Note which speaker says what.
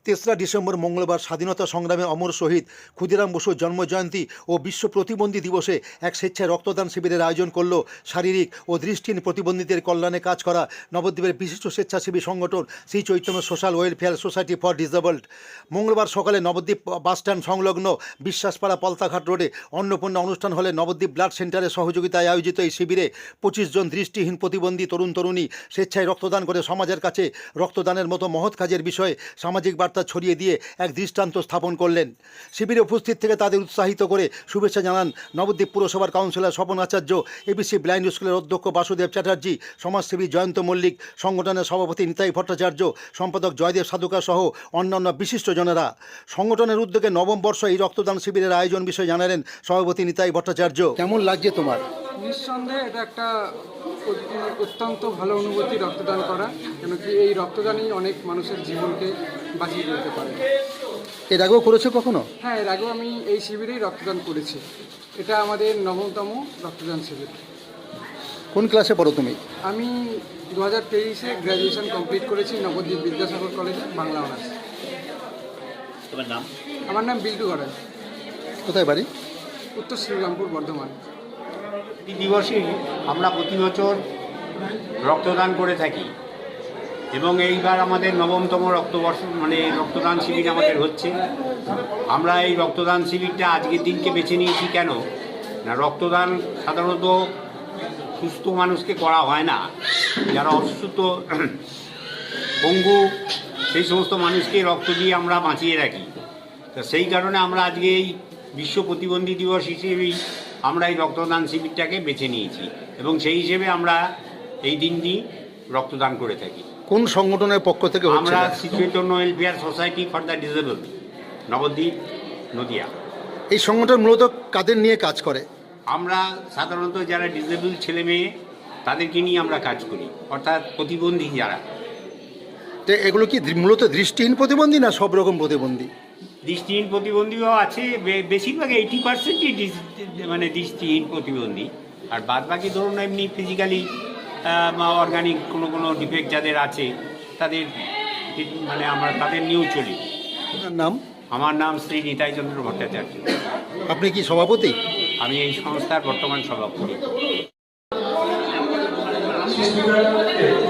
Speaker 1: তেসরা ডিসেম্বর মঙ্গলবার স্বাধীনতা সংগ্রামে অমর শহীদ ক্ষুদিরাম বসুর জন্মজয়ন্তী ও বিশ্ব প্রতিবন্ধী দিবসে এক স্বেচ্ছায় রক্তদান শিবিরের আয়োজন করল শারীরিক ও দৃষ্টিহীন প্রতিবন্ধীদের কল্যাণে কাজ করা নবদ্বীপের বিশিষ্ট স্বেচ্ছাসেবী সংগঠন Shri Chaitanya social welfare society for disabled. মঙ্গলবার সকালে নবদ্বীপ বাসস্ট্যান্ড সংলগ্ন বিশ্বাসপাড়া পলতাঘাট রোডে অন্নপূর্ণা অনুষ্ঠান হলে নবদ্বীপ ব্লাড সেন্টারের সহযোগিতায় আয়োজিত এই শিবিরে 25 জন দৃষ্টিহীন প্রতিবন্ধী তরুণ তরুণী স্বেচ্ছায় রক্তদান করে সমাজের কাছে রক্তদানের মতো মহৎ কাজের বিষয়ে সামাজিক বার্তা ছড়িয়ে দিয়ে এক দৃষ্টান্ত স্থাপন করলেন। শিবিরে উপস্থিত থেকে তাদের উৎসাহিত করে শুভেচ্ছা জানান নবদ্বীপ পুরসভার councillor Swapan Acharya, ABC blind স্কুলের অধ্যক্ষ বাসুদেব চ্যাটার্জি, সমাজসেবী জয়ন্ত মল্লিক, সংগঠনের সভাপতি নিতাই ভট্টাচার্য, সম্পাদক জয়দেব সাধুকা সহ অন্যান্য বিশিষ্টজনেরা। সংগঠনের উদ্যোগে নবম বর্ষ এই রক্তদান শিবিরের আয়োজন বিষয়ে জানালেন সভাপতি নিতাই ভট্টাচার্য। কেমন লাগছে তোমার?
Speaker 2: নিঃসন্দেহে এটা একটা অত্যন্ত ভালো অনুভূতি রক্তদান করা, কেন কি এই রক্তদানই অনেক মানুষের জীবনকে বাঁচিয়ে দিতে পারে।
Speaker 1: এর আগেও করেছো কখনো?
Speaker 2: হ্যাঁ, এর আগেও আমি এই শিবিরেই রক্তদান করেছি। এটা আমাদের 9তম রক্তদান শিবির।
Speaker 1: কোন ক্লাসে পড়ো তুমি?
Speaker 2: আমি 2023-এ গ্র্যাজুয়েশন কমপ্লিট করেছি নবদ্বীপ বিদ্যাসাগর কলেজে, বাংলা অনার্স।
Speaker 3: তোমার নাম?
Speaker 2: আমার নাম বিল্টু গড়াই।
Speaker 1: কোথায় বাড়ি?
Speaker 2: উত্তর শ্রীরামপুর, বর্ধমান।
Speaker 3: এই দিবসে আমরা প্রতি বছর রক্তদান করে থাকি এবং এইবার আমাদের 9তম রক্তদান শিবির আমাদের হচ্ছে। আমরা এই রক্তদান শিবিরটা আজকের দিনকে বেছে নিয়েছি কেন না, রক্তদান সাধারণত সুস্থ মানুষকে করা হয় না, যারা অসুস্থ পঙ্গু সেই সমস্ত মানুষকে রক্ত দিয়ে আমরা বাঁচিয়ে রাখি। তো সেই কারণে আমরা আজকে এই বিশ্ব প্রতিবন্ধী দিবস হিসেবেই আমরা এই রক্তদান শিবিরটাকে বেছে নিয়েছি এবং সেই হিসেবে আমরা এই দিনটি রক্তদান করে থাকি।
Speaker 1: কোন সংগঠনের পক্ষ থেকে হচ্ছে?
Speaker 3: আমরা Shri Chaitanya welfare society for the disabled, Nabadwip, Nadia.
Speaker 1: এই সংগঠন মূলত কাদের নিয়ে কাজ করে?
Speaker 3: আমরা সাধারণত যারা ডিসেবল ছেলে মেয়ে তাদেরকে নিয়ে আমরা কাজ করি, অর্থাৎ প্রতিবন্ধী যারা।
Speaker 1: তো এগুলো কি মূলত দৃষ্টিহীন প্রতিবন্ধী না সব রকম প্রতিবন্ধী?
Speaker 3: দৃষ্টিহীন প্রতিবন্ধীও আছে, বেশিরভাগ 80%ই দৃষ্টিহীন প্রতিবন্ধী, আর বাদ বাকি ধরুন এমনি ফিজিক্যালি অর্গানিক কোনো ডিফেক্ট যাদের আছে তাদের আমরা তাদের নিয়েও চলি।
Speaker 1: আপনার নাম?
Speaker 3: আমার নাম শ্রী নিতাই চন্দ্র ভট্টাচার্য।
Speaker 1: আপনি কি সভাপতি?
Speaker 3: আমি এই সংস্থার বর্তমান সভাপতি।